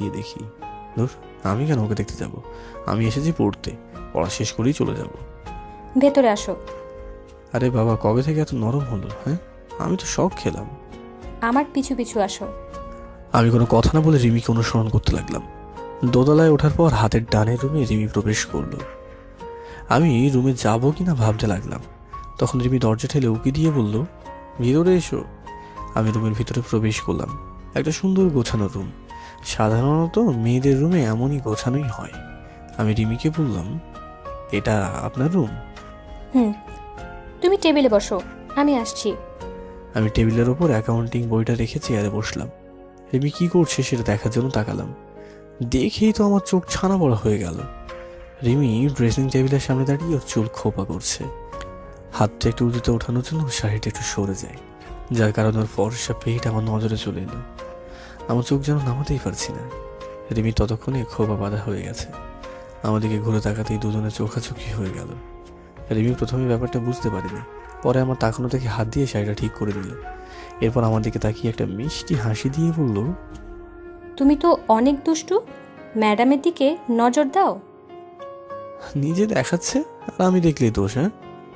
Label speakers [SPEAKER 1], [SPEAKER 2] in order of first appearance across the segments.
[SPEAKER 1] গিয়ে দেখি ধুর, আমি কেন ওকে দেখতে যাব? আমি এসেছি পড়তে, পড়া শেষ করেই চলে যাব।
[SPEAKER 2] ভেতরে আসো।
[SPEAKER 1] আরে বাবা, কবে থেকে এত নরম হলো? হ্যাঁ, আমি তো শখ খেলাম।
[SPEAKER 2] আমার পিছু পিছু আসো।
[SPEAKER 1] আমি কোনো কথা না বলে রিমিকে অনুসরণ করতে লাগলাম। দোতলায় ওঠার পর হাতের ডানের রুমে রিমি প্রবেশ করলো। আমি রুমে যাবো কিনা ভাবতে লাগলাম, তখন রিমি দরজা ঠেলে উকি দিয়ে বলল, ভিতরে এসো। আমি রুমের ভিতরে প্রবেশ করলাম। একটা সুন্দর গোছানো রুম। সাধারণত মেয়েদের রুমে এমনই গোছানোই হয়। আমি রিমিকে বললাম, এটা আপনার রুম?
[SPEAKER 2] হুম, তুমি টেবিলে বসো, আমি আসছি।
[SPEAKER 1] আমি টেবিলের ওপর অ্যাকাউন্টিং বইটা রেখে চেয়ারে বসলাম। রিমি কি করছে সেটা দেখার জন্য তাকালাম। দেখেই তো আমার চোখ ছানা বড় হয়ে গেল। রিমি ড্রেসিং টেবিলের সামনে দাঁড়িয়ে ওর চুল খোপা করছে। হাতটা একটু উঁচুতে ওঠানোর জন্য শাড়িটা একটু সরে যায়, যার কারণে ওর ফর্সা পেট আমার নজরে চলে এলো। আমার চোখ যেন নামাতেই পারছি না। রিমি ততক্ষণে খোপা বাঁধা হয়ে গেছে। আমাদেরকে ঘুরে তাকাতেই দুজনে চোখাচোখি হয়ে গেল। রিমি প্রথমে ব্যাপারটা বুঝতে পারেনি, পরে আমার তাকানো থেকে হাত দিয়ে শাড়িটা ঠিক করে দিল। এরপর আমার দিকে তাকিয়ে একটা মিষ্টি হাসি দিয়ে বলল,
[SPEAKER 2] তুমি তো অনেক দুষ্টু, ম্যাডামের দিকে নজর দাও।
[SPEAKER 1] নিজে দেখাচ্ছে আর আমি দেখলেই দোষ? হ্যাঁ,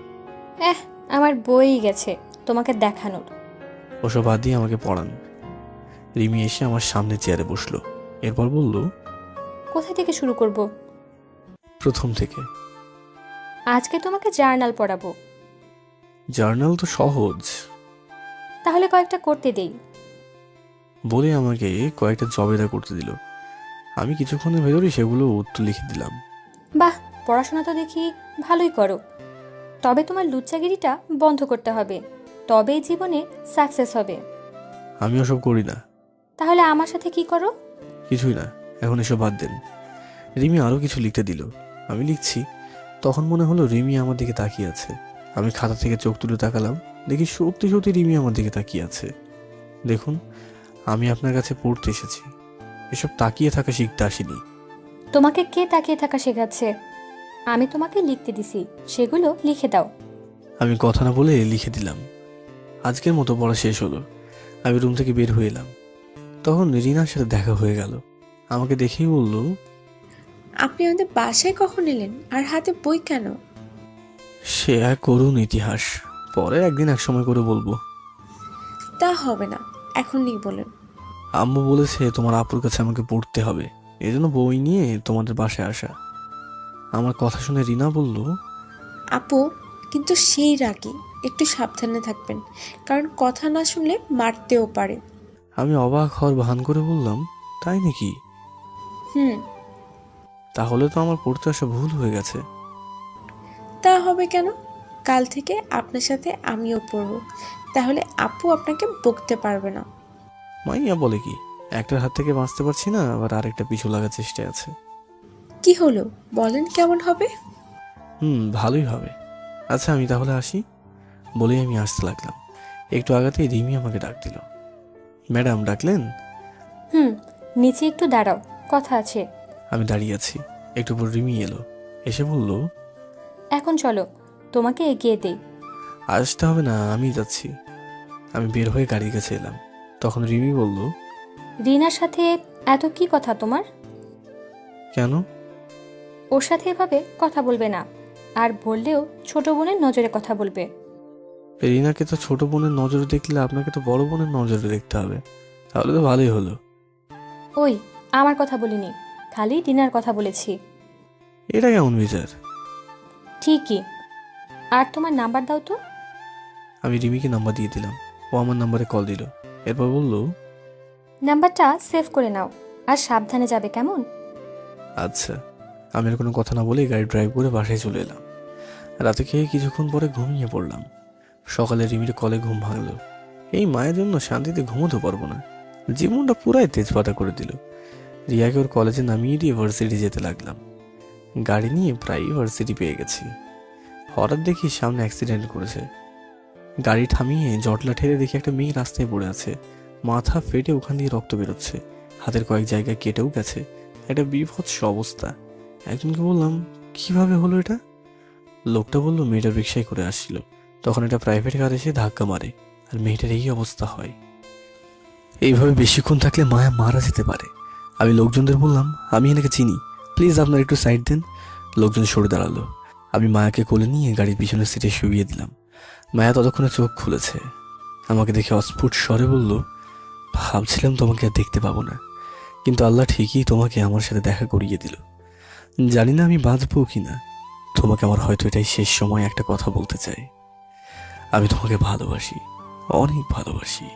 [SPEAKER 2] আমার বই গেছে তোমাকে দেখানোর।
[SPEAKER 1] ওসব বাদ দিয়ে আমাকে পড়ান। রিমি এসে আমার সামনে চেয়ারে বসলো। এরপর বলল,
[SPEAKER 2] কোথায় থেকে শুরু করব?
[SPEAKER 1] প্রথম থেকে।
[SPEAKER 2] আজকে তোমাকে জার্নাল পড়াবো।
[SPEAKER 1] জার্নাল তো সহজ।
[SPEAKER 2] তাহলে কয়েকটা করতে দেই।
[SPEAKER 1] বলে আমাকে কয়েকটা জবেদা করতে দিল। আমি কিছুক্ষণের ভেতরেই সেগুলো উত্তর লিখে দিলাম।
[SPEAKER 2] বাহ, পড়াশোনা তো দেখি ভালোই করো। তবে তোমার লুচ্চাগিরিটা বন্ধ করতে হবে, তবেই জীবনে সাকসেস হবে।
[SPEAKER 1] আমি ওসব করি না।
[SPEAKER 2] তাহলে আমার সাথে কি করো?
[SPEAKER 1] কিছুই না, এখন এসব বাদ দেন। রিমি আরও কিছু লিখতে দিল। আমি লিখছি, তখন মনে হলো রিমি আমার দিকে তাকিয়ে আছে। আমি খাতা থেকে চোখ তুলে তাকালাম, দেখি সত্যি সত্যি রিমি আমার দিকে তাকিয়ে আছে। দেখুন, আমি আপনার কাছে পড়তে এসেছি, এসব তাকিয়ে থাকা শিখতে আসিনি।
[SPEAKER 2] তোমাকে কে তাকিয়ে থাকা শেখাচ্ছে? আমি তোমাকে লিখতে দিছি, সেগুলো লিখে দাও।
[SPEAKER 1] আমি কথা না বলে লিখে দিলাম। আজকের মতো পড়া শেষ হলো। আমি রুম থেকে বের হয়ে এলাম। তখন রিনার সাথে দেখা হয়ে গেল। আমাকে দেখেই বলল,
[SPEAKER 3] আপনি আমাদের বাসায় কখন এলেন আর হাতে বই কেন?
[SPEAKER 1] সে এক করুণ ইতিহাস, পরে একদিন এক সময় করে বলবো।
[SPEAKER 3] তা হবে না, এখনই বলেন।
[SPEAKER 1] আম্মু বলেছে তোমার আপুর কাছে আমাকে পড়তে হবে, এই জন্য বই নিয়ে তোমাদের বাসায় আসা। আমার কথা শুনে রিনা বলল,
[SPEAKER 3] আপু কিন্তু সেই রাগী, একটু সাবধানে থাকবেন, কারণ কথা না শুনলে মারতেও পারে।
[SPEAKER 1] আমি অবাক হওয়ার ভান করে বললাম, তাই নাকি?
[SPEAKER 3] হুম।
[SPEAKER 1] তাহলে তো আমার পড়তে আসা ভুল হয়ে গেছে।
[SPEAKER 3] তা হবে কেন? কাল থেকে আপনার সাথে আমিও পড়ব, তাহলে আপু আপনাকে বকতে পারবে না।
[SPEAKER 1] মাইয়া বলে কি, একটার হাত থেকে বাঁচতে পারছি না, আবার আরেকটা পিছু লাগার চেষ্টায় আছে।
[SPEAKER 3] কি হলো বলেন, কেমন হবে?
[SPEAKER 1] ভালোই হবে। আচ্ছা, আমি তাহলে আসি। বলেই আমি আসতে লাগলাম। একটু আগাতেই রিমি আমাকে ডাক দিল। ম্যাডাম ডাকলেন?
[SPEAKER 2] হুম, নিচে একটু দাঁড়াও, কথা আছে।
[SPEAKER 1] আমি দাঁড়িয়ে আছি। একটু পর রিমি এলো, এসে বলল,
[SPEAKER 2] এখন চলো, তোমাকে এগিয়ে দেই।
[SPEAKER 1] আসতে হবে না, আমি যাচ্ছি। আমি বের হয়ে গাড়ির কাছে এলাম। তখন রিমি বলল,
[SPEAKER 2] রিনার সাথে এত কি কথা তোমার?
[SPEAKER 1] কেন?
[SPEAKER 2] ওর সাথে এভাবে কথা বলবে না, আর বললেও ছোট বোনের নজরে কথা বলবে।
[SPEAKER 1] রিনাকে তো ছোট বোনের নজরে দেখলে আপনাকে তো বড় বোনের নজরে দেখতে হবে, তাহলে তো ভালোই হলো।
[SPEAKER 2] ওই, আমার কথা বলিনি, খালি রিনার কথা বলেছি।
[SPEAKER 1] এটা কেমন বিচার?
[SPEAKER 2] ঠিকই। আর তোমার নাম্বার দাও তো।
[SPEAKER 1] আমি রিমিকে নাম্বার দিয়ে দিলাম। ও আমার নাম্বারে কল দিল। এরপর বলল,
[SPEAKER 2] নাম্বারটা সেভ করে নাও, আর সাবধানে যাবে, কেমন?
[SPEAKER 1] আচ্ছা। আমি আর কোনো কথা না বলেই গাড়ি ড্রাইভ করে বাসায় চলে এলাম। রাতে খেয়ে কিছুক্ষণ পরে ঘুমিয়ে পড়লাম। সকালে রিমির কলে ঘুম ভাঙলো। এই মায়ের জন্য শান্তিতে ঘুমোতে পারবো না, জীবনটা পুরাই তেজপাতা করে দিল। রিয়াকে ওর কলেজে নামিয়ে দিয়ে ভার্সিটি যেতে লাগলাম। গাড়ি নিয়ে প্রায় ভার্সিটি পেয়ে গেছি। হঠাৎ দেখি সামনে অ্যাক্সিডেন্ট করেছে। গাড়ি থামিয়ে জটলা ঠেলে দেখি একটা মেয়ে রাস্তায় পড়ে আছে। মাথা ফেটে ওখান দিয়ে রক্ত বেরোচ্ছে, হাতের কয়েক জায়গায় কেটেও গেছে। একটা বীভৎস অবস্থা। একজনকে বললাম, কিভাবে হলো এটা? লোকটা বলল, মেয়েটা রিক্সায় করে আসছিল, তখন একটা প্রাইভেট কার এসে ধাক্কা মারে, আর মেয়েটার এই অবস্থা হয়। এইভাবে বেশিক্ষণ থাকলে মায়া মারা যেতে পারে। আমি লোকজনদের বললাম, আমি এনাকে চিনি, প্লিজ আপনার একটু সাইড দেন। লোকজন সরে দাঁড়ালো। আমি মায়াকে কোলে নিয়ে গাড়ির পিছনের সিটে শুইয়ে দিলাম। মায়া ততক্ষণে চোখ খুলেছে। আমাকে দেখে অস্ফুট স্বরে বলল, ভাবছিলাম তোমাকে আর দেখতে পাবো না, কিন্তু আল্লাহ ঠিকই তোমাকে আমার সাথে দেখা করিয়ে দিল। জানি না আমি বাঁচবো কি না। তোমাকে আমার হয়তো এটাই শেষ সময় একটা কথা বলতে চাই। আমি তোমাকে ভালোবাসি, অনেক ভালোবাসি।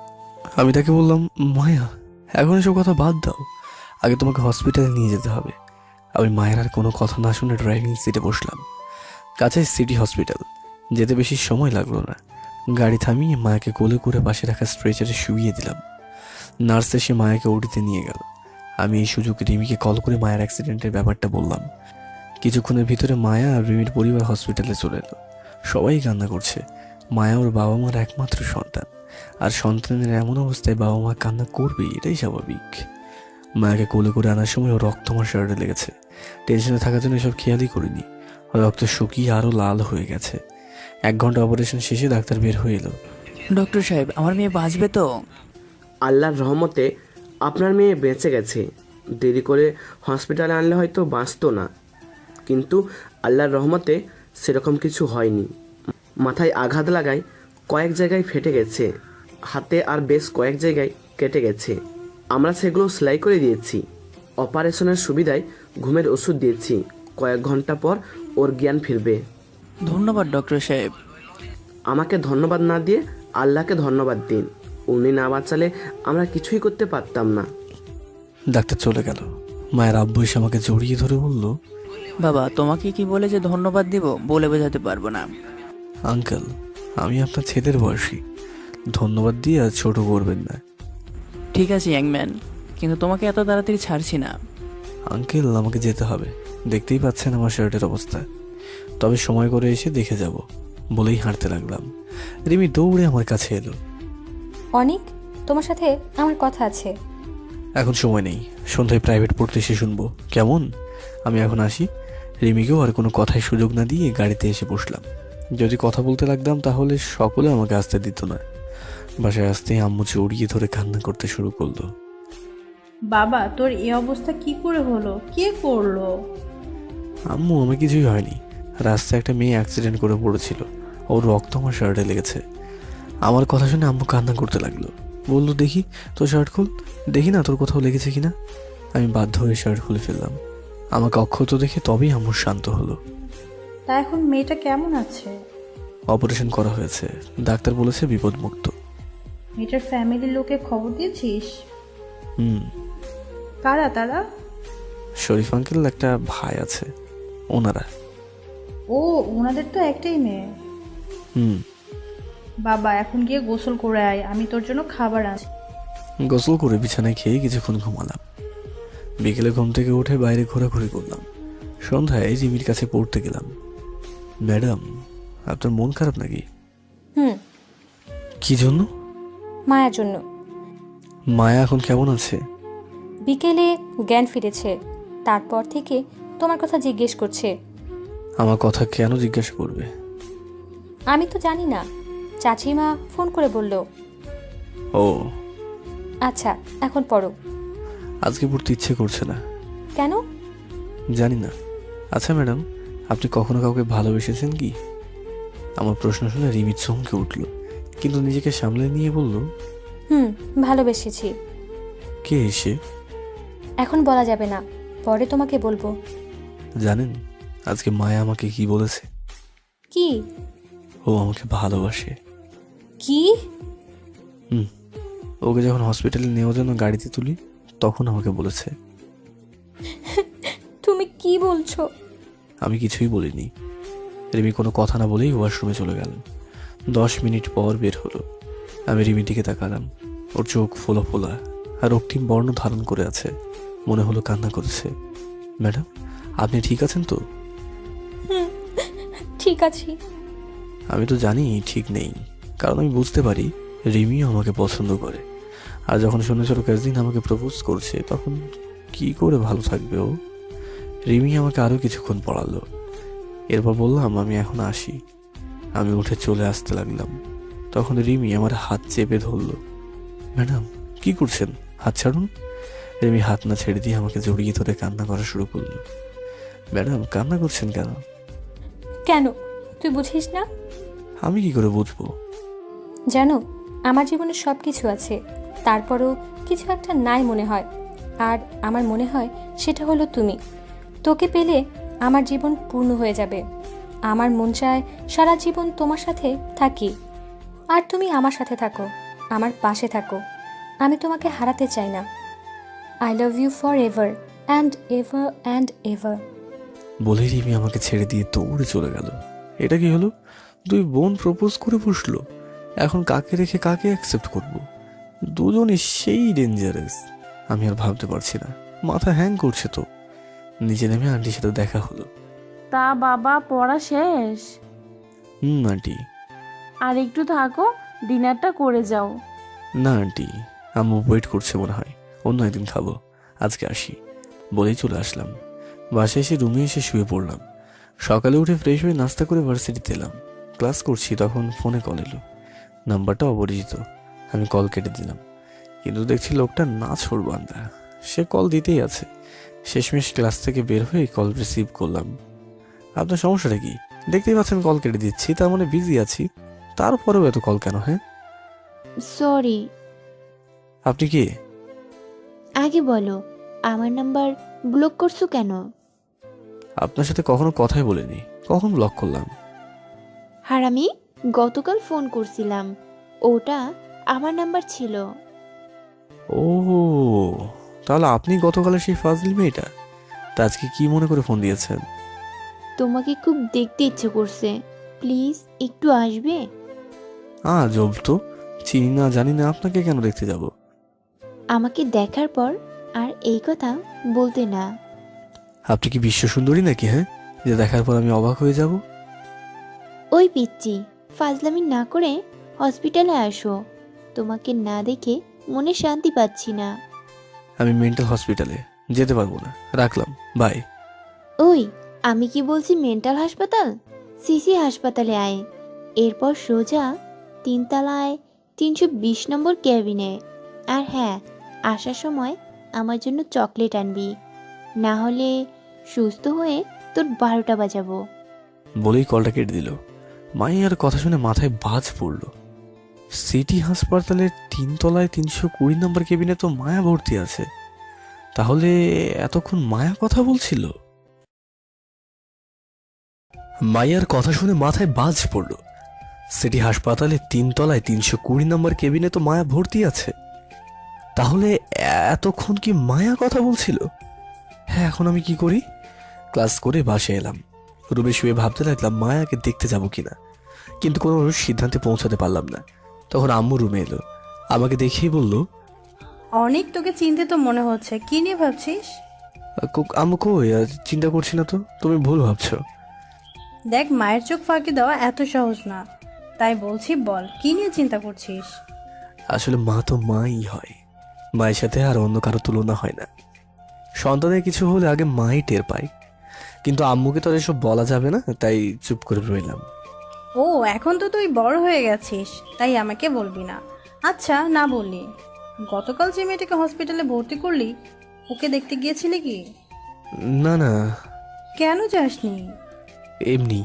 [SPEAKER 1] আমি তাকে বললাম, মায়া এখন এসব কথা বাদ দাও, আগে তোমাকে হসপিটালে নিয়ে যেতে হবে। আমি মায়ের আর কোনো কথা না শুনে ড্রাইভিং সিটে বসলাম। কাছে সিটি হসপিটাল, যেতে বেশি সময় লাগলো না। গাড়ি থামিয়ে মায়াকে কোলে করে পাশে রাখা স্ট্রেচারে শুইয়ে দিলাম। নার্স এসে মায়াকে ওটিতে নিয়ে গেল। আমি এই সুযোগ রিমিকে কল করে মায়ের অ্যাক্সিডেন্টের ব্যাপারটা বললাম। কিছুক্ষণের ভিতরে মায়া আর রিমির পরিবার হসপিটালে চলে এলো। সবাই কান্না করছে। মায়া ওর বাবা মার একমাত্র সন্তান, আর সন্তানের এমন অবস্থায় বাবা মা কান্না করবেই, এটাই স্বাভাবিক। মায়াকে কোলে করে আনার সময় ওর রক্ত আমার শার্টে লেগেছে। টেনশনে থাকার জন্য এসব খেয়ালই করিনি। রক্ত শুকিয়ে আরও লাল হয়ে গেছে। 1 ঘন্টা অপারেশন শেষে ডাক্তার বের হয়ে এলো।
[SPEAKER 4] ডক্টর সাহেব, আমার মেয়ে বাঁচবে তো?
[SPEAKER 5] আল্লাহর রহমতে আপনার মেয়ে বেঁচে গেছে। দেরি করে হসপিটালে আনলে হয়তো বাঁচতো না, কিন্তু আল্লাহর রহমতে সেরকম কিছু হয়নি। মাথায় আঘাত লাগায় কয়েক জায়গায় ফেটে গেছে, হাতে আর বেশ কয়েক জায়গায় কেটে গেছে। আমরা সেগুলো সেলাই করে দিয়েছি। অপারেশনের সুবিধায় ঘুমের ওষুধ দিয়েছি। কয়েক ঘন্টা পর ওর জ্ঞান ফিরবে।
[SPEAKER 4] ধন্যবাদ ডক্টর সাহেব।
[SPEAKER 5] আমাকে ধন্যবাদ না দিয়ে আল্লাহকে ধন্যবাদ দিন। উনি না বাঁচালে আমরা কিছুই করতে পারতাম না।
[SPEAKER 1] ডাক্তার চলে গেল। মায়ের আব্বু এসে আমাকে জড়িয়ে ধরে বলল,
[SPEAKER 4] বাবা, তোমাকে কি বলে যে ধন্যবাদ দিব বলে বোঝাতে পারবো না।
[SPEAKER 1] আঙ্কেল, আমি আপনার ছেলের বয়সী, ধন্যবাদ দিয়ে আর ছোট করবেন না।
[SPEAKER 4] ঠিক আছে ইয়াংম্যান, কিন্তু তোমাকে এত তাড়াতাড়ি ছাড়ছি না।
[SPEAKER 1] আঙ্কেল, আমাকে যেতে হবে, দেখতেই পাচ্ছেন আমার শার্টের অবস্থা। তবে সময় করে এসে দেখে যাব বলেই হাঁটতে লাগলাম। রিমি দৌড়ে আমার কাছে এলো।
[SPEAKER 2] অনেক, তোমার সাথে আমার কথা আছে।
[SPEAKER 1] এখন সময় নেই, সন্ধ্যায় প্রাইভেট পড়তে এসে শুনবো, কেমন? আমি এখন আসি। রিমিকেও আর কোনো কথায় সুযোগ না দিয়ে গাড়িতে এসে বসলাম। যদি কথা বলতে লাগতাম তাহলে সকলে আমাকে আসতে দিত না। বাসায় আসতেই আম্মু জড়িয়ে ধরে কান্না করতে শুরু করলো।
[SPEAKER 6] বাবা, তোর এই অবস্থা কি করে হলো? কে করলো?
[SPEAKER 1] আম্মু, আমার কিছুই হয়নি। রাস্তায় একটা মেয়ে অ্যাক্সিডেন্ট করে পড়েছিল, ওর রক্ত আমার শার্টে লেগেছে। আমার কথা শুনে আম্মু কান্না করতে লাগলো। বললো, দেখি তোর শার্ট খুল, দেখি না তোর কোথাও লেগেছে কিনা। আমি বাধ্য হয়ে শার্ট খুলে ফেললাম। আমাকে অক্ষত দেখে তবেই আম্মু শান্ত হলো।
[SPEAKER 6] তা এখন মেয়েটা কেমন আছে?
[SPEAKER 1] অপারেশন করা হয়েছে, ডাক্তার বলেছে বিপদমুক্ত।
[SPEAKER 6] মেয়েটার ফ্যামিলির লোকে খবর দিয়েছিস?
[SPEAKER 1] হুম।
[SPEAKER 6] কারা তারা?
[SPEAKER 1] শরীফ আঙ্কেল একটা ভাই আছে, ওনারা।
[SPEAKER 6] ও, ওনাদের তো একটাই মেয়ে।
[SPEAKER 1] হুম।
[SPEAKER 6] বাবা, এখন গিয়ে গোসল করে আয়, আমি তোর জন্য খাবার আনছি।
[SPEAKER 1] গোসল করে বিছানায় খেয়ে কিছুক্ষণ ঘুমালাম। বিকেলে ঘুম থেকে উঠে বাইরে ঘোরাঘুরি করলাম। সন্ধ্যায় জিমির কাছে পড়তে গেলাম। ম্যাডাম, আপনার মন খারাপ নাকি?
[SPEAKER 2] হুম।
[SPEAKER 1] কি জন্য?
[SPEAKER 2] মায়ের জন্য।
[SPEAKER 1] মায়া এখন কেমন আছে?
[SPEAKER 2] বিকেলে জ্ঞান ফিরেছে, তারপর থেকে তোমার কথা জিজ্ঞেস করছে।
[SPEAKER 1] আমার কথা কেন জিজ্ঞাসা করবে?
[SPEAKER 2] আমি তো জানি না, চাচিমা ফোন করে বলল।
[SPEAKER 1] ও
[SPEAKER 2] আচ্ছা, এখন পড়ো।
[SPEAKER 1] আজকে পড়তে ইচ্ছে করছে না।
[SPEAKER 2] কেন?
[SPEAKER 1] জানি না। আচ্ছা ম্যাডাম, আপনি কখনো কাউকে ভালোবেসেছেন কি? আমার প্রশ্ন শুনে রিমি চমকে উঠল, কিন্তু নিজেকে সামলে নিয়ে বলল,
[SPEAKER 2] হুম, ভালোবেসেছি।
[SPEAKER 1] কে এসে?
[SPEAKER 2] এখন বলা যাবে না, পরে তোমাকে বলবো।
[SPEAKER 1] জানেন আজকে মায়া আমাকে কি বলেছে?
[SPEAKER 2] কি?
[SPEAKER 1] ও আমাকে ভালোবাসে।
[SPEAKER 2] কি?
[SPEAKER 1] হুম। ওকে যখন হসপিটালে নেওয়ার জন্য গাড়িতে তুলি তখন আমাকে বলেছে।
[SPEAKER 2] তুমি কি বলছো?
[SPEAKER 1] আমি কিছুই বলিনি। রিমি কোনো কথা না বলেই ওয়াশরুমে চলে গেল। 10 মিনিট পর বের হলো। আমি রিমির দিকে তাকালাম। ওর চোখ ফোলা ফোলা আর রক্তিম বর্ণ ধারণ করে আছে, মনে হলো কান্না করেছে। ম্যাডাম, আপনি ঠিক আছেন তো?
[SPEAKER 2] ঠিক আছি।
[SPEAKER 1] আমি তো জানি ঠিক নেই, কারণ আমি বুঝতে পারি রিমিও আমাকে পছন্দ করে। আর যখন শুনেছিল কাজিন আমাকে প্রপোজ করছে, তখন কি করে ভালো থাকবে ও? রিমি আমাকে আরও কিছুক্ষণ পড়ালো। এরপর বললাম আমি এখন আসি। আমি উঠে চলে আসতে লাগলাম। তখন রিমি আমার হাত চেপে ধরল। ম্যাডাম, কি করছেন? হাত ছাড়ুন। রিমি হাত না ছেড়ে দিয়ে আমাকে জড়িয়ে ধরে কান্না করা শুরু করলো। ম্যাডাম, কান্না করছেন কেন?
[SPEAKER 2] কেন তুই বুঝিস না?
[SPEAKER 1] আমি কি করে বুঝবো?
[SPEAKER 2] জানো, আমার জীবনে সব কিছু আছে, তারপরও কিছু একটা নাই মনে হয়। আর আমার মনে হয় সেটা হলো তুমি। তোকে পেলে আমার জীবন পূর্ণ হয়ে যাবে। আমার মন চায় সারা জীবন তোমার সাথে থাকি, আর তুমি আমার সাথে থাকো, আমার পাশে থাকো। আমি তোমাকে হারাতে চাই না। I love you for ever and ever and ever.
[SPEAKER 1] বলে রিমি আমাকে ছেড়ে দিয়ে দৌড়ে চলে গেল। এটা কি হলো? দুই বোন প্রপোজ করে বসলো, এখন কাকে রেখে কাকে অ্যাকসেপ্ট করব? দুজনই সেই ডেঞ্জারাস। আমি আর ভাবতে পারছি না, মাথা হ্যাং করছে তো। নিচে নেমে আন্টির সাথে দেখা হলো।
[SPEAKER 7] তা বাবা, পড়া শেষ?
[SPEAKER 1] আন্টি।
[SPEAKER 7] আর একটু থাকো, ডিনারটা করে যাও।
[SPEAKER 1] না আন্টি, আম্মু ওয়েট করছে মনে হয়, অন্য একদিন খাবো, আজকে আসি বলেই চলে আসলাম। বাসায় এসে রুমে এসে শুয়ে পড়লাম। সকালে উঠে ফ্রেশ হয়ে নাস্তা করে ভার্সিটিতে এলাম। ক্লাস করছি, তখন ফোনে কল এলো। নাম্বারটা অপরিচিত। আমি কল কেটে দিলাম, কিন্তু দেখছি লোকটা নাছোড় বান্দা। সে কল দিতেই আছে। শেষমেশ ক্লাস থেকে বের হয়ে কল রিসিভ করলাম। আপনার সমস্যাটা কি? দেখতেই পাচ্ছেন কল কেটে দিচ্ছি, তার মানে বিজি আছি। তারপরেও এত কল কেন? হ্যাঁ,
[SPEAKER 8] সরি।
[SPEAKER 1] আপনি কে?
[SPEAKER 8] আগে বলো, আমার নাম্বার ব্লক করছো কেন?
[SPEAKER 1] আপনার সাথে কখনো কথাই বলিনি, কখন ব্লক করলাম?
[SPEAKER 8] হারামি, গতকাল ফোন করছিলাম, ওটা আমার নাম্বার ছিল।
[SPEAKER 1] ও, তাহলে আপনি গতকালের সেই ফাজলি মেয়েটা। তা আজকে কি মনে করে ফোন দিয়েছেন?
[SPEAKER 8] তোমাকে খুব দেখতে ইচ্ছে করছে, প্লিজ একটু আসবে?
[SPEAKER 1] জব তো, চিনি না জানি না, আপনাকে কেন দেখতে যাব?
[SPEAKER 8] আমাকে দেখার পর আর এই কথা বলতে না।
[SPEAKER 1] আপনি কি বিশ্ব সুন্দরী নাকি? হ্যাঁ, যে দেখার পর আমি অবাক হয়ে যাব?
[SPEAKER 8] ওই পিচ্চি, ফাজলামি না করে হসপিটালে আসো। তোমাকে না দেখে মনে শান্তি পাচ্ছি না।
[SPEAKER 1] আমি মেন্টাল হসপিটালে যেতে পারবো না, রাখলাম, বাই।
[SPEAKER 8] ওই, আমি কি বলছি মেন্টাল হাসপাতাল? সিসি হাসপাতালে আয়, এরপর সোজা 3 তলায় 320 নম্বর ক্যাবিনে। আর হ্যাঁ, আসার সময় আমার জন্য চকলেট আনবি, না হলে সুস্থ হয়ে তোর 12টা বাজাবো।
[SPEAKER 1] বলেই কলটা কেটে দিল। মাইয়ার কথা শুনে মাথায় বাজ পড়ল। সিটি হাসপাতালের 3 তলায় 320 নম্বর কেবিনে তো মায়া ভর্তি আছে। তাহলে এতক্ষণ মায়া কথা বলছিল? মাইয়ার কথা শুনে মাথায় বাজ পড়ল। সিটি হাসপাতালে 3 তলায় 320 নম্বর কেবিনে তো মায়া ভর্তি আছে। তাহলে এতক্ষণ কি মায়া কথা বলছিল? হ্যাঁ, এখন আমি কি করি? ক্লাস করে বাসায় এলাম। রুমে শুয়ে ভাবতে লাগলাম মায়াকে দেখতে যাব কিনা, কিন্তু কোনো সিদ্ধান্তে পৌঁছাতে পারলাম না। তখন আম্মু রুমে এলো, আমাকে দেখেই বলল,
[SPEAKER 6] অনেক তোকে চিন্তিত মনে হচ্ছে, কি নিয়ে ভাবছিস?
[SPEAKER 1] আম্মু কই, চিন্তা করছি না তো, তুমি ভুল ভাবছো।
[SPEAKER 6] দেখ, মায়ের চোখ ফাঁকি দেওয়া এত সহজ না, তাই বলছি বল, কি নিয়ে চিন্তা করছিস?
[SPEAKER 1] আসলে মা তো মাই হয়, মায়ের সাথে আর অন্য কারো তুলনা হয় না। সন্তানের কিছু হলে আগে মাই টের পায়, কিন্তু আম্মুকে তো আর এসব বলা যাবে না, তাই চুপ করে রইলাম।
[SPEAKER 6] ও, এখন তো তুই বড় হয়ে গেছিস, তাই আমাকে বলবি না। আচ্ছা, না বললি, গতকাল যে মেয়েটাকে হসপিটালে ভর্তি করলি, ওকে দেখতে গিয়েছিলি কি?
[SPEAKER 1] না না,
[SPEAKER 6] কেন যাসনি?
[SPEAKER 1] এমনি।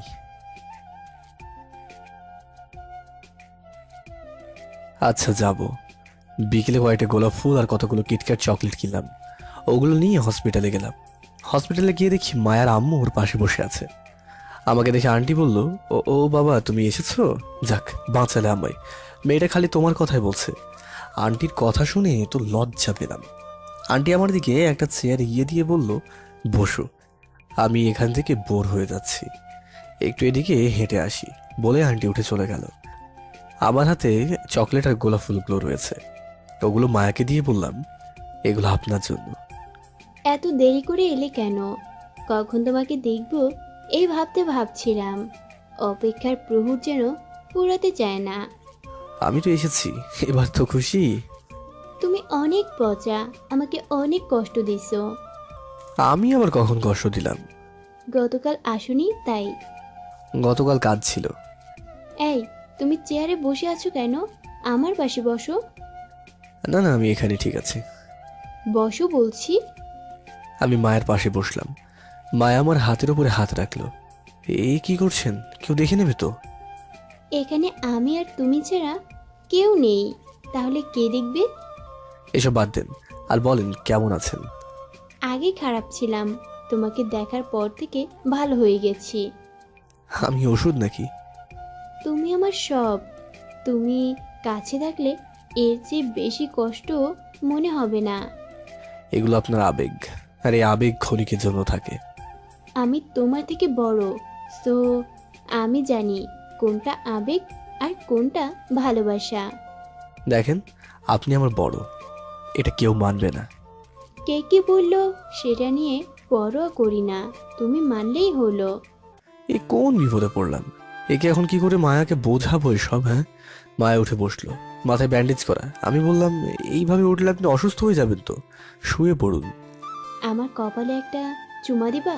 [SPEAKER 1] আচ্ছা, যাব। বিকেলে কয়েকটা গোলাপ ফুল আর কতগুলো কিটক্যাট চকলেট কিনলাম, ওগুলো নিয়ে হসপিটালে গেলাম। হসপিটালে গিয়ে দেখি মায়ের আম্মু ওর পাশে বসে আছে। আমাকে দেখে আন্টি বলল, ও ও বাবা, তুমি এসেছো, যাক বাঁচালে আমায়, মেয়েটা খালি তোমার কথাই বলছে। আন্টির কথা শুনে তো লজ্জা পেলাম। আন্টি আমার দিকে একটা চেয়ার এগিয়ে দিয়ে বলল, বসো, আমি এখান থেকে বোর হয়ে যাচ্ছি, একটু এদিকে হেঁটে আসি বলে আন্টি উঠে চলে গেল। আমার হাতে চকলেট আর গোলাপ ফুলগুলো রয়েছে, ওগুলো মায়াকে দিয়ে বললাম, এগুলো আপনার জন্য।
[SPEAKER 8] এত দেরি করে এলে কেন? কখন তোমাকে দেখব এই ভাবছিলাম। অপেক্ষার প্রহর যেন ফুরাতে চায় না।
[SPEAKER 1] আমি তো এসেছি, এবার তো খুশি?
[SPEAKER 8] তুমি অনেক পচা, আমাকে অনেক কষ্ট দিছো।
[SPEAKER 1] আমি আবার কখন কষ্ট দিলাম?
[SPEAKER 8] গতকাল আসোনি তাই।
[SPEAKER 1] গতকাল কাজ ছিল।
[SPEAKER 8] এই, তুমি চেয়ারে বসে আছো কেন? আমার পাশে বসো।
[SPEAKER 1] না না, আমি এখানে ঠিক আছে।
[SPEAKER 8] বসো বলছি।
[SPEAKER 1] আমি মায়ের পাশে বসলাম। মায়া আমার হাতের উপরে হাত রাখলো। এই কি করছেন? কেউ দেখে নেবে তো?
[SPEAKER 8] এখানে আমি আর তুমি ছাড়া কেউ নেই, তাহলে কে দেখবে?
[SPEAKER 1] এসব বাদ দেন আর বলেন কেমন আছেন?
[SPEAKER 8] আগে খারাপ ছিলাম, তোমাকে দেখার পর থেকে ভালো হয়ে গেছি।
[SPEAKER 1] আমি ওষুধ নাকি?
[SPEAKER 8] তুমি আমার সব। তুমি কাছে থাকলে এর চেয়ে বেশি কষ্ট মনে হবে না।
[SPEAKER 1] এগুলো আপনার আবেগ, আর এই আবেগ ক্ষণিকের জন্য থাকে।
[SPEAKER 8] আমি তোমার থেকে বড়, সো আমি জানি কোনটা আবেগ আর কোনটা ভালোবাসা।
[SPEAKER 1] দেখেন, আপনি আমার বড়, এটা কেউ মানবে না।
[SPEAKER 8] কে কি বললো সেটা নিয়ে পরোয়া করি না, তুমি মানলেই হলো।
[SPEAKER 1] এই কোন বিপদে পড়লাম? একে এখন কি করে মায়াকে বোঝাবো এসব? হ্যাঁ, মায়া উঠে বসলো, মাথায় ব্যান্ডেজ করা। আমি বললাম, এইভাবে উঠলে আপনি অসুস্থ হয়ে যাবেন তো, শুয়ে পড়ুন।
[SPEAKER 8] আমার কপালে একটা চুমা দিবা?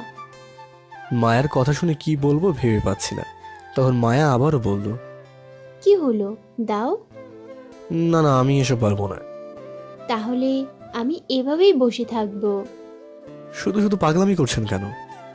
[SPEAKER 1] মায়ের কথা শুনে কি বলবো ভেবে পাচ্ছি না। তখন মায়া আবারও বলল,
[SPEAKER 8] কি হলো, দাও।
[SPEAKER 1] না না, আমি এসব পারবো না।
[SPEAKER 8] তাহলে আমি এভাবেই বসে থাকবো।
[SPEAKER 1] শুধু শুধু পাগলামি করছেন কেন?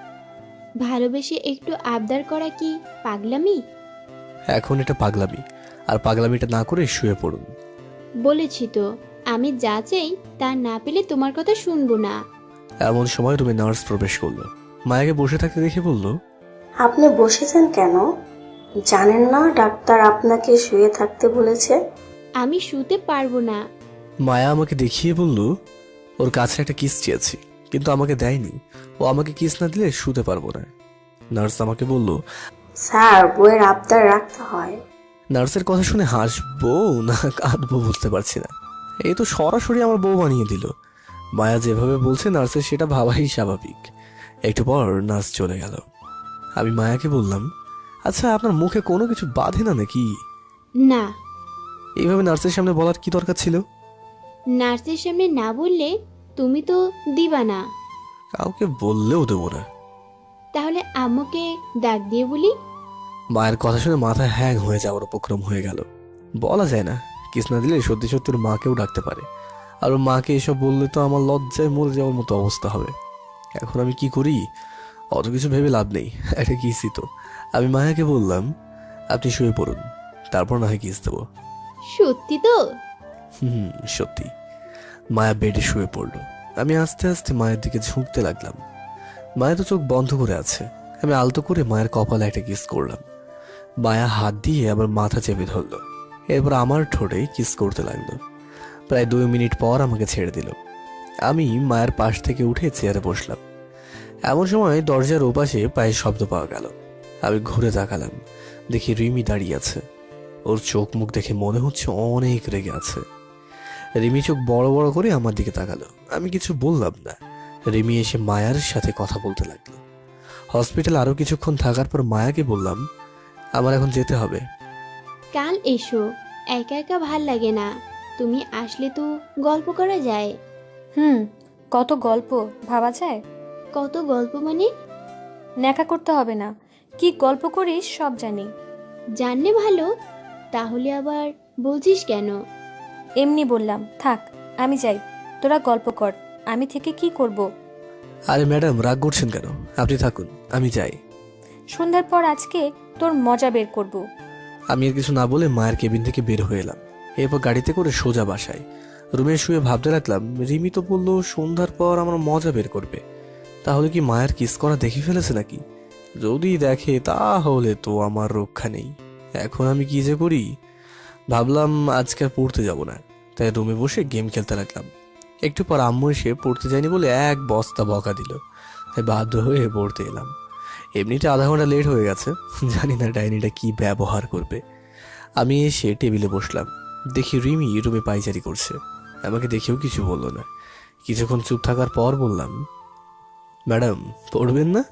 [SPEAKER 8] ভালোবেসে একটু আবদার করা কি পাগলামি?
[SPEAKER 1] এখন এটা পাগলামি, আর পাগলামিটা না করে শুয়ে পড়ুন।
[SPEAKER 8] বলেছি তো, আমি যা চাই তা না পেলে তোমার কথা শুনবো না।
[SPEAKER 1] এমন সময় রুমে নার্স প্রবেশ করলো। মায়াকে বসে থাকতে দেখে বলল,
[SPEAKER 9] আপনি বসেছেন কেন? জানেন না ডাক্তার আপনাকে শুয়ে থাকতে বলেছে?
[SPEAKER 8] আমি শুতে পারবো না।
[SPEAKER 1] মায়া আমাকে দেখিয়ে বলল, ওর কাছে একটা কিস চেয়েছি, কিন্তু আমাকে দেয়নি। ও আমাকে কিস না দিলে শুতে পারবো না। নার্স আমাকে বলল,
[SPEAKER 9] স্যার, বইয়ের আবদার রাখতে হয়।
[SPEAKER 1] নার্সের কথা শুনে হাসবো না কাঁদবো বুঝতে পারছি না। এই তো সরাসরি আমার বউ বানিয়ে দিল। মায়া যেভাবে বলছে নার্সের সেটা ভাবাই স্বাভাবিক। একটু পর নার্স চলে গেল। আমি মায়াকে বললাম, আচ্ছা আপনার মুখে কোনো কিছু বাঁধে না নাকি?
[SPEAKER 8] না।
[SPEAKER 1] এইভাবে নার্সের সামনে বলার কি দরকার ছিল?
[SPEAKER 8] নার্সের সামনে না বললে তুমি তো দিবা না।
[SPEAKER 1] কাউকে বললেও দেবো না।
[SPEAKER 8] তাহলে আম্মুকে ডাক দিয়ে বলি।
[SPEAKER 1] মায়ের কথা শুনে মাথা হ্যাং হয়ে যাওয়ার উপক্রম হয়ে গেল। বলা যায় না, কিস না দিলে সত্যি সত্যি ওর মাকেও ডাকতে পারে। আর ওর মাকে এসব বললে তো আমার লজ্জায় মরে যাওয়ার মতো অবস্থা হবে। এখন আমি কি করি? অত কিছু ভেবে লাভ নেই, একটা কিসই তো। আমি মায়াকে বললাম, আপনি শুয়ে পড়ুন, তারপর না হয় কিস দেবো।
[SPEAKER 8] সত্যি তো?
[SPEAKER 1] সত্যি। মায়া বেডে শুয়ে পড়লো। আমি আস্তে আস্তে মায়ের দিকে ঝুঁকতে লাগলাম। মায়া তো চোখ বন্ধ করে আছে। আমি আলতো করে মায়ের কপালে একটা কিস করলাম। মায়া হাত দিয়ে আবার মাথা চেপে ধরলো। এরপর আমার ঠোঁটে কিস করতে লাগলো। প্রায় 2 মিনিট পর আমাকে ছেড়ে দিল। আমি মায়ের পাশ থেকে উঠে চেয়ারে বসলাম। এমন সময় দরজার ওপাশে পায়ের শব্দ পাওয়া গেল। আমি ঘুরে তাকালাম, দেখি রিমি দাঁড়িয়ে আছে। ওর চোখ মুখ দেখে মনে হচ্ছে অনেক রেগে আছে। রিমি চোখ বড় বড় করে আমার দিকে তাকালো। আমি কিছু বললাম না। রিমি এসে মায়ার সাথে কথা বলতে লাগলো। হসপিটালে আরো কিছুক্ষণ থাকার পর মায়াকে বললাম, আমার এখন যেতে হবে।
[SPEAKER 8] কাল এসো, একা একা ভাল লাগে না। তুমি আসলে তো গল্প করা যায়।
[SPEAKER 2] কত গল্প ভাবা যায়।
[SPEAKER 8] কত গল্প মানে?
[SPEAKER 2] ন্যাকা করতে হবে না, কি গল্প করিস সব জানি।
[SPEAKER 8] জানলে ভালো, তাহলে আবার বলছিস কেন?
[SPEAKER 2] এমনি বললাম, থাক আমি যাই, তোরা গল্প কর, আমি থেকে কি করব।
[SPEAKER 1] আরে ম্যাডাম, রাগ করছেন কেন? আপনি থাকুন, আমি যাই।
[SPEAKER 2] সন্ধ্যার পর আজকে তোর মজা বের করব।
[SPEAKER 1] আমি আর কিছু না বলে মায়ের কেবিন থেকে বের হয়ে এলাম। এরপর গাড়িতে করে সোজা বাসায়। রুমে শুয়ে ভাবতে লাগলাম, রিমি তো বললো সন্ধ্যার পর আমার মজা বের করবে। তাহলে কি মায়ের কিস করা দেখে ফেলেছে নাকি? যদি দেখে তাহলে তো আমার রক্ষা নেই। এখন আমি কি যে করি? ভাবলাম আজকে আর পড়তে যাব না, তাই রুমে বসে গেম খেলতে লাগলাম। একটু পর আম্মু এসে পড়তে যায়নি বলে এক বস্তা বকা দিল, তাই বাধ্য হয়ে পড়তে এলাম। এমনিতে আধা ঘন্টা লেট হয়ে গেছে, জানি না ডাইনিটা কি ব্যবহার করবে। আমি এসে টেবিলে বসলাম, দেখি রিমি রুমে পায়চারি করছে। আমাকে দেখেও কিছু বললো না। কিছুক্ষণ চুপ থাকার পর বললাম, ম্যাডাম পড়বেন না?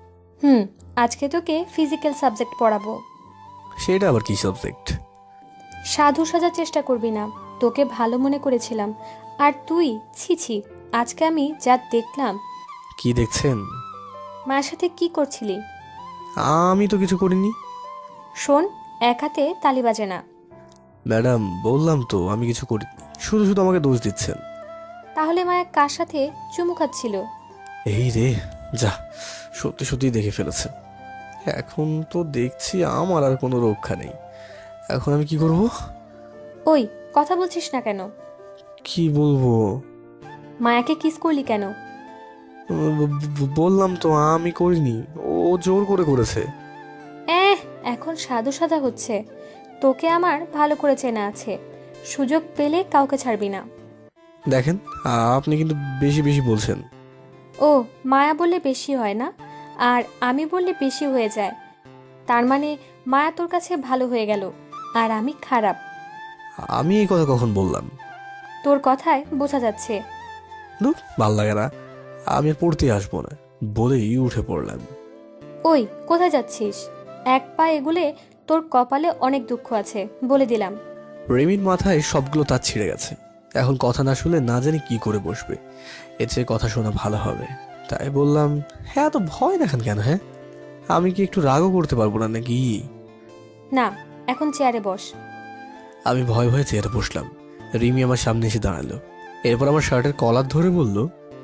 [SPEAKER 2] আজকে তোকে ফিজিক্যাল সাবজেক্ট পড়াবো।
[SPEAKER 1] সেটা আবার কি সাবজেক্ট?
[SPEAKER 2] সাধু সাজার চেষ্টা করবি না, তোকে ভালো মনে করেছিলাম, আর তুই ছি। আজকে আমি যা দেখলাম।
[SPEAKER 1] কি দেখছেন?
[SPEAKER 2] মার সাথে কি করছিলি?
[SPEAKER 1] আমি তো কিছু করিনি।
[SPEAKER 2] শোন, এক হাতে তালি বাজে না।
[SPEAKER 1] ম্যাডাম বললাম তো আমি কিছু করিনি, শুধু শুধু আমাকে দোষ দিচ্ছেন।
[SPEAKER 2] তাহলে মায়া কার সাথে চুমু খাচ্ছিল?
[SPEAKER 1] এই রে, যা, সত্যি সত্যি দেখে ফেলেছে। এখন তো দেখছি আমার আর কোনো রক্ষা নেই। এখন আমি কি করব?
[SPEAKER 2] ওই, কথা বলছিস না কেন?
[SPEAKER 1] কি বলবো?
[SPEAKER 2] মায়াকে কিস করলি কেন?
[SPEAKER 1] বললাম তো আমি করিনি, ও জোর করে করেছে।
[SPEAKER 2] এখন সাধু সাদা হচ্ছে। তোকে আমার ভালো করে চেনা আছে, সুযোগ পেলে কাউকে ছাড়বি না।
[SPEAKER 1] দেখেন, আপনি কিন্তু বেশি বেশি বলছেন।
[SPEAKER 2] ও, মায়া বললে বেশি হয় না, আর আমি বললে বেশি হয়ে যায়। তার মানে মায়া তোর কাছে ভালো হয়ে গেল আর আমি খারাপ?
[SPEAKER 1] আমি এই কথা কখন বললাম?
[SPEAKER 2] তোর কথায় বোঝা যাচ্ছে।
[SPEAKER 1] ভাল লাগে না, আমি আর পড়তে আসবো না বলেই উঠে পড়লাম।
[SPEAKER 2] ওই, কোথায় যাচ্ছিস? এক পা এগুলে তোর কপালে অনেক দুঃখ আছে, বলে দিলাম।
[SPEAKER 1] রেমির মাথায় সবগুলো তার ছিঁড়ে গেছে। এখন কথা না শুনলে না জানি কি করে বসবে। এর চেয়ে কথা শোনা ভালো হবে। তাই বললাম, হ্যাঁ, তো ভয় দেখান কেন? হ্যাঁ, আমি কি একটু রাগও করতে পারবো না নাকি?
[SPEAKER 2] না, এখন চেয়ারে বস।
[SPEAKER 1] আমি ভয়ে ভয়ে চেয়ারে বসলাম। রিমি আমার সামনে এসে দাঁড়ালো। এরপর আমার শার্টের কলার ধরে বলল,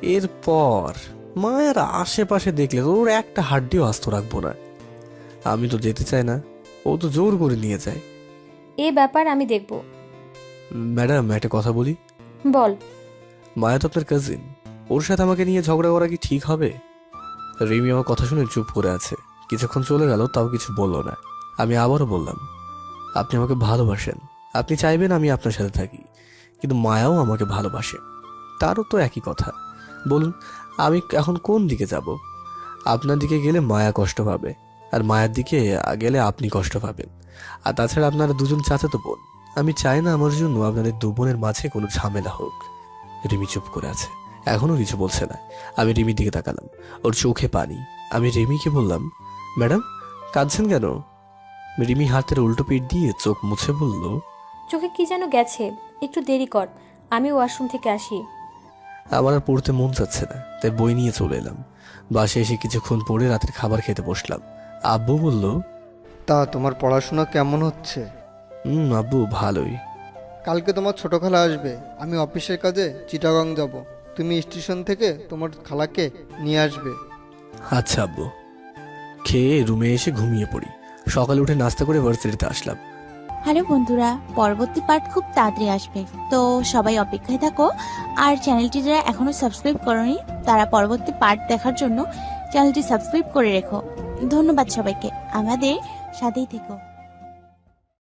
[SPEAKER 1] এরপর মায়ের আশেপাশে দেখলে তোর একটা হাড্ডিও আস্ত রাখবো না। আমি তো যেতে চাই না, ও তো জোর করে নিয়ে যায়।
[SPEAKER 2] এ ব্যাপার আমি দেখব।
[SPEAKER 1] ম্যাডাম, একটা কথা বলি।
[SPEAKER 2] বল।
[SPEAKER 1] মায়া তো আপনার কাজিন, ওর সাথে আমাকে নিয়ে ঝগড়া করা কি ঠিক হবে? রিমি আমার কথা শুনে চুপ করে আছে। কিছুক্ষণ চলে গেল, তাও কিছু বললো না। আমি আবারও বললাম, আপনি আমাকে ভালোবাসেন, আপনি চাইবেন আমি আপনার সাথে থাকি, কিন্তু মায়াও আমাকে ভালোবাসে। তারও তো একই কথা। বলুন, আমি এখন কোন দিকে যাব? আপনার দিকে গেলে মায়া কষ্ট পাবে, আর মায়ের দিকে গেলে আপনি কষ্ট পাবেন। আর তাছাড়া আপনারা দুজন চাচাতো বোন। আমি চাই না আমার জন্য আপনাদের দু বোনের মাঝে কোনো ঝামেলা হোক। রিমি চুপ করে আছে, এখনো কিছু বলছে না। আমি রিমির দিকে তাকালাম, ওর চোখে পানি। আমি রিমিকে বললাম, ম্যাডাম, কাঁদছেন কেন? রিমি হাতের উল্টো পিঠ দিয়ে চোখ মুছে বলল,
[SPEAKER 2] চোখে কি যেন গেছে, একটু দেরি কর, আমি ওয়াশরুম থেকে আসি।
[SPEAKER 1] আমার আর পড়তে মন চাচ্ছে না, তাই বই নিয়ে চলে এলাম। বাসায় এসে কিছুক্ষণ পরে রাতের খাবার খেতে বসলাম। আব্বু বলল,
[SPEAKER 10] তা তোমার পড়াশোনা কেমন হচ্ছে?
[SPEAKER 1] আব্বু ভালোই।
[SPEAKER 10] কালকে তোমার ছোট খালা আসবে, আমি অফিসের কাজে চিটাগং যাব, তুমি স্টেশন থেকে তোমার খালাকে নিয়ে আসবে।
[SPEAKER 1] আচ্ছা আব্বু। খেয়ে রুমে এসে ঘুমিয়ে পড়ি। সকালে উঠে নাস্তা করে ভার্সিটিতে আসলাম।
[SPEAKER 11] হ্যালো বন্ধুরা, পরবর্তী পার্ট খুব তাড়াতাড়ি আসবে, তো সবাই অপেক্ষায় থাকো। আর চ্যানেলটি যারা এখনো সাবস্ক্রাইব করোনি তারা পরবর্তী পার্ট দেখার জন্য চ্যানেলটি সাবস্ক্রাইব করে রেখো। ধন্যবাদ সবাইকে, আমাদের সাথেই থেকো।